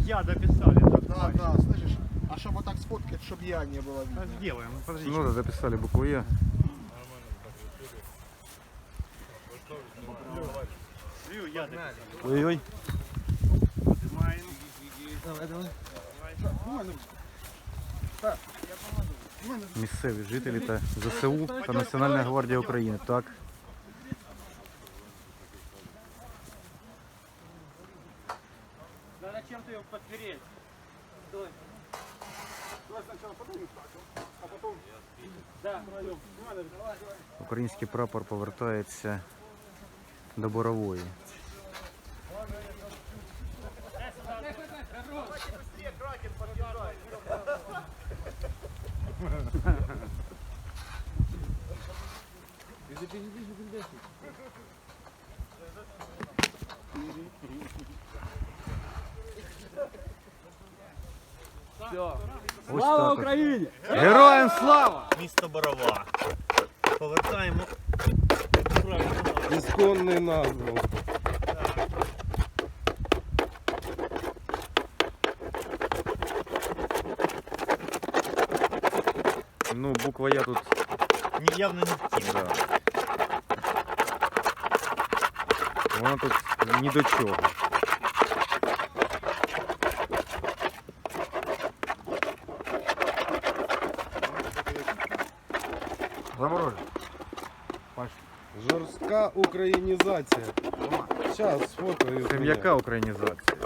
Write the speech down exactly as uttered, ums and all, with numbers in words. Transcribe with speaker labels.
Speaker 1: я дописали.
Speaker 2: Да, да, слышишь? А чтобы вот так сфоткать, чтобы я не было видно.
Speaker 1: Сделаем, подожди.
Speaker 3: Ну да, записали букву Е.
Speaker 1: Я дописал.
Speaker 3: Ой-ой.
Speaker 1: Поднимаем.
Speaker 2: Давай, давай.
Speaker 3: Місцеві жителі та ЗСУ та Національна гвардія України. Так.
Speaker 1: Надо чем-то его подпереть. Стой.
Speaker 2: Давай сначала поднимем, а потом...
Speaker 1: Да.
Speaker 3: Український прапор повертається до Борової. Ось
Speaker 1: Слава
Speaker 3: так от.
Speaker 1: Україні!
Speaker 3: Героям слава!
Speaker 1: Місто Борова. Повертаємо.
Speaker 4: Ісконний назву.
Speaker 3: Ну, буква Я тут.
Speaker 1: Ні, явно не втім.
Speaker 3: Да. Вона тут ні до чого. Заморожено.
Speaker 4: Жорстка українізація. Зараз сфоткаю.
Speaker 3: Це м'яка українізація.